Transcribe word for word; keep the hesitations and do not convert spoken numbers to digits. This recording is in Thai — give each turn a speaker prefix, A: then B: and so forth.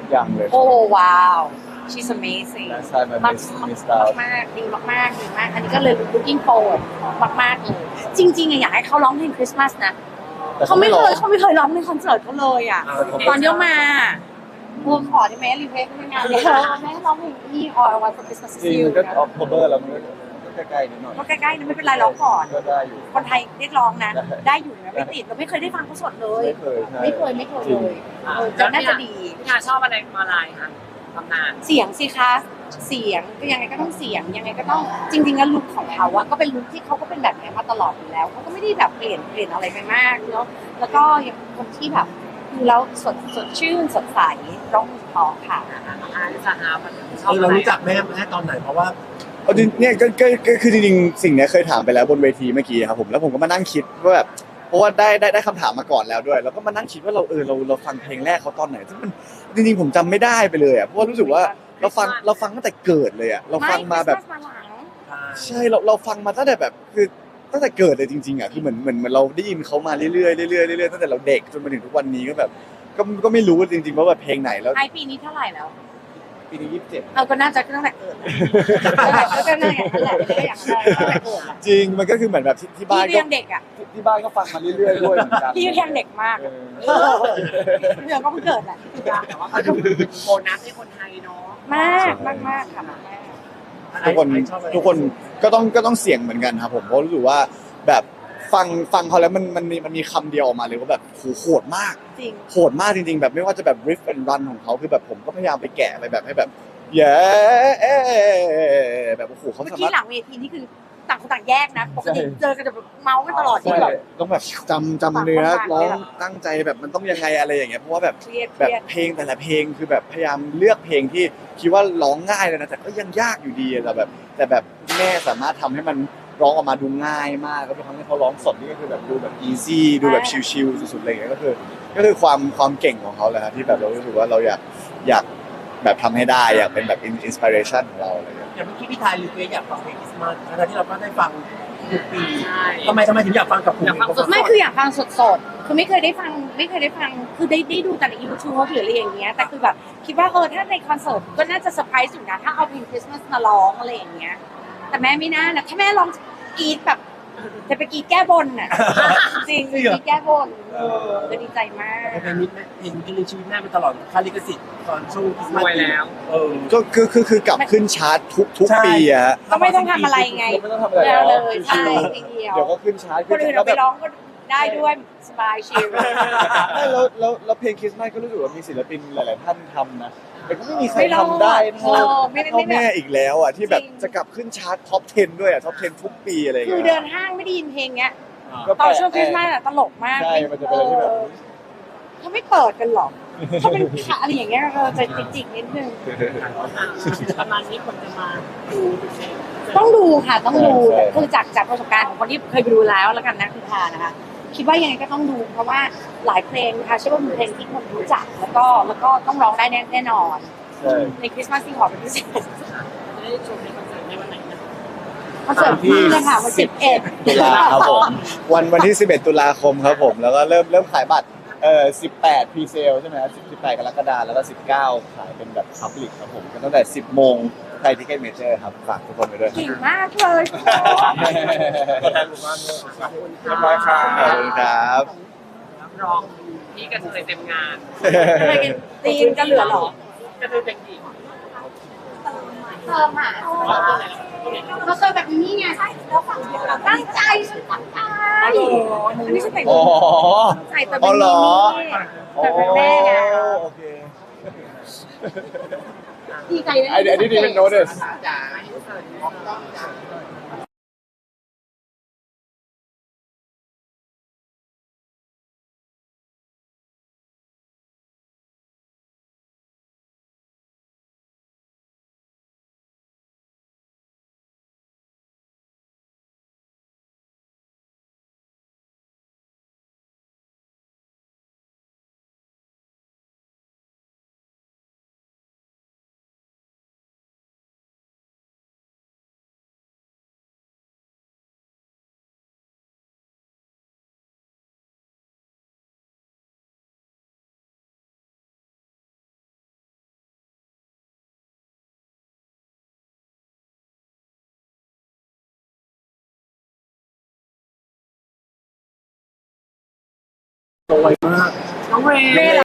A: ยังเลย
B: โอ้ว้าว she's amazing
A: last time I
B: มาก
A: missed missed out
B: มากดีมากๆดีมากอันนี้ก็เลย looking forward มากๆเลยจริงๆอะอยากให้เขาร้องเพลงคริสต์มาสนะเขาไม่เคยเขาไม่เคยร้องในคอนเสิร์ตเขาเลยอ่ะตอนเดียวมาเออขอได้ไหมรีเควสในงานเดียวแม่ร้องเพลงที่ All I Want for Christmas
A: จริ
B: is
A: ง
B: You
A: มันก็
B: นะ
A: October แล้วมันก็ใกล้ๆนิดหน่อย
B: ก็ใกล้ๆนะไม่เป็นไรร้องก่อน
A: ก็ได้อยู่
B: คนไทยเรียกร้องนะ ได้อยู่นะไม่ติดเราไม่เคยได้ฟังเขาสดเลย
A: ไม่เคยใช่
B: ไม่เคยไม่เคยเลยเออจะน่าจะดี
C: พี่นาชอบอะไรมาลายคะตำนาน
B: เสียงสิคะเสียงก็ยังไงก็ต้องเสียงยังไงก็ต้องจริงๆแล้วลุคของเขาอะก็เป็นลุคที่เขาก็เป็นแบบนี้มาตลอดอยู่แล้วเขาก็ไม่ได้แบบเปลี่ยนเปลี่ยนอะไรไปมากแล้วแล้วก็ยังเป็นคนที่แบบดูแล้วสดสดชื่นสดใสร้องเพราะค่ะ
C: อาริสาฮามันชอบ
D: เออเรารู้จักแม่แม่ตอนไหนเพราะว่า
A: เอาจริงเนี่ยก็ก็ก็คือจริงๆสิ่งเนี้ยเคยถามไปแล้วบนเวทีเมื่อกี้ครับผมแล้วผมก็มานั่งคิดว่าแบบเพราะว่าได้ได้ได้คำถามมาก่อนแล้วด้วย แล้วก็มานั่งคิดว่าเราเออเราเราฟังเพลงแรกเขาตอนไหนซึ่งมันจริงๆผมจำไม่ได้ไปเลยอ่ะเพราะว่ารู้สึกว่าเราฟังเราฟังตั้งแต่เกิดเลยอ่ะเราฟังมาแบบ
B: ไ Christmas มาหลัง
A: ใช่เราเราฟังมาตั้งแต่แบบคือตั้งแต่เกิดเลยจริงๆอ่ะคือเหมือนเหมือนเหมือนเราได้ยินเขามาเรื่อยๆเรื่อยๆเรื่อยๆตั้งแต่เราเด็กจนมาถึงทุกวันนี้ก็แบบก็ก็ไม่รู้จริงๆว่าแบบเพลงไหนแล้ว
B: ไอปีนี้เท่าไหร่แล้ว
A: ปีนี้ยี่สิบเจ็ด
B: เราก็น่าจะตั้งแต่เกิดแล้วก็น่าอย่างนั้นแหละก็อย่างนั้นตั้งแต่เกิดแหละ
A: จริงมันก็คือเหมือนแบบที่ที่บ้าน
B: พี่
A: ก็
B: ยังเด็กอ่ะ
A: ที่ที่บ้านก็ฟังมาเรื่อยๆด้วยเหมือนกัน
B: พี่ยังเด็กมาก
A: เออ
B: เออเดี๋ยวก็เพิ่งเกิดแหละ
C: แต่ว่าเขาจะโบนัสให้คนไทยเนาะ
B: มากมากมากค่ะมาก
A: ทุกคนทุกคนก็ต้องก็ต้องเสี่ยงเหมือนกันครับผมเพราะรู้สึกว่าแบบฟังฟังเขาแล้วมันมันมีมันมีคำเดียวออกมาเลยว่าแบบโหโหดมาก
B: จริง
A: โหดมากจริงๆแบบไม่ว่าจะแบบ riff and run ของเขาคือแบบผมก็พยายามไปแกะไปแบบให้แบบเย้แบบโอ้โหเขา
B: เมื่อ
A: สา
B: กี้
A: มารถ
B: หลังเวทีนี่คือต่างคนต่างแยกนะปกติ
A: ใช่
B: เจอกันจะแบบเมาส์กันตลอดที่
A: ใช่
B: แบบ
A: ต้องแบบจำจำเนื้อ
B: ฟัง
A: ร้อง
B: ฟัง
A: ตั้งใจแบบมันต้องยังไงอะไรอย่างเงี้ยเพราะว่าแบบ
B: เครียดเค
A: แบบ
B: รียด
A: เพลงแต่ละเพลงคือแบบพยายามเลือกเพลงที่คิดว่าร้องง่ายเลยนะแต่ก็ยังยากอยู่ดีอะแต่แบบแต่แบบแม่สามารถทำให้มันร้องออกมาดูง่ายมากก็เป็นครั้งที่เขาร้องสดนี่ก็คือแบบดูแบบอีซี่ดูแบบชิลๆสุดๆอะไรอย่างเงี้ยก็คือก็คือความความเก่งของเขาแหละครับที่แบบเรารู้สึกว่าเราอยากอยากแบบทำให้ได้อยากเป็นแบบอินสปิเรชันของเราอะไรอย่างเงี้ย
D: อย่างเมื่อกี้พี่ทายรีเควสอยากฟังเพลงคริสต์มาสทั้งที่เราก็ได้ฟังทุกปี
C: ใช่
D: ทำไมทำไมถึงอยากฟังกับผม
C: อยากฟังสด
B: ไม่คืออยากฟังสดๆคือไม่เคยได้ฟังไม่เคยได้ฟังคือได้ได้ดูแต่ในยูทูบหรืออะไรอย่างเงี้ยแต่คือแบบคิดว่าเออถ้าในคอนเสิร์ตก็น่าจะเซอร์ไพรส์อยู่นะถ้าเอาเพลงคริสต์มาสมาร้องอะไรอย่างเงี้ยแต่แม่ไม่น่านะถ้าแม่ร้องกรีดแบบจะไปกรีดแก้บนน่ะจริงกรีดแก้บนเออก็ดีใจมาก
D: เพลงนี้เพลงที่เลี้ยงชีวิตแม่มาตลอดค่าลิขสิทธิ์ตอนช่วงคริสต์
C: ร
D: มาส
C: วยแล้ว
D: เออ
A: ก็คือคือคือกลับขึ้นชาร์ตทุกทุก
D: ใช่
A: ปีอะฮะ
B: ก็ไม่ต้องทำอะไรไง
A: ไม่ต้องทำอะไร
B: เดียว
A: แล้
B: เล
A: วย
B: ใช่
A: ชิว
B: ทีเดียว
A: ๆเดี๋ยวก็ขึ้นชาร์ต
B: คนอื่น
A: แล้
B: เอา
A: ว
B: ไป
A: แบบ
B: ร้องก็ได้ด้วยสบายชิล
A: ไม่แล้วแล้วแล้วเพลงคริสต์มาสก็รู้สึกว่ามีศิลปินหลาย ๆ ท่านทำนะแต่ก็ไม่มีใคร
B: ไม่รอด
A: ทำได้
B: เอ
A: เท่า
B: อไม่ได้
A: เท่า
B: ไม่แบบ
A: แม่อีกแล้วอ่ะที่แบบ
B: จริง
A: จะกลับขึ้นชาร์ตท็อปสิบด้วยอ่ะท็อปสิบทุกปีอะไรอย่าง
B: คือ
A: เงี้ย
B: เดินห้างไม่ได้ยินเพลงเนี้ย
A: ก็
B: ต
A: แป
B: อน
A: ลก
B: ช่วงคริสต์มาสอะตลกมาก
A: ใช่มันจะเป็นอะไรที่แบบ
B: เออเขาไม่เปิดกันหรอกเขาเป็นขาอะไรอย่างเงี้ยเราจะจิกๆนิดนึง
C: ประมาณนี้คนจะมาดูดูเพลง
B: ต้องดูค่ะต้องดู
A: ใช่
B: คือจากจากประสบการณ์ของคนที่เคยไปดูแล้วแล้วกันนะคือทานะคะ คิดว่ายังไงก็ต้องดู เพราะว่าหลายเพลงค่ะเชื่อว่าเป็นเพลงที่คนรู้จักแล้วก็แล้วก็ต้องร้องได้แน่แน่นอน
A: ใช่
B: ในคริสต์มาสที่ขอเป็นพิเศษ
C: จะได้ชมในคอนเสิร์ตในวันไหนนะ
B: คอนเสิร์ตที่เลยค่ะวันสิบเอ็ด
A: ตุลาครับผมวันวันที่สิบเอ็ดตุลาคมครับผมแล้วก็เริ่มเริ่มขายบัตรเอ่อสิบแปดพรีเซลใช่ไหมครับสิบแปดกรกฎาคมแล้วก็สิบเก้าขายเป็นแบบพับลิกครับผมกันตั้งแต่สิบโมงไทยทิเก็ตเมเจอร์ครับฝากทุกคนไปด้วย
B: เก่งมากเลย
A: ตัวแทนหมู่บ้านด้วยเรียบร้อยครับขอบคุณครับ
C: รับรองพี่กระเทยเต็มงาน
B: อะไรกันตีนจะเหลือเหรอก
C: ระเทยเต็มที่
B: เติมอ่ะเขาเติมแบบนี้ไงแล้วฝั่งเดียวเราตั้งใจฉันตั้งใจอันนี้ฉันแต่ง
A: อ๋อ
B: ตั้งใจแต่
A: อ๋
B: เป็
A: อน เหรอ
B: แต่เป็นแม่ไง
A: โอเค
B: ดีใจนะ
A: I I didn't even notice
D: โตไวมาก
C: น้องเรย์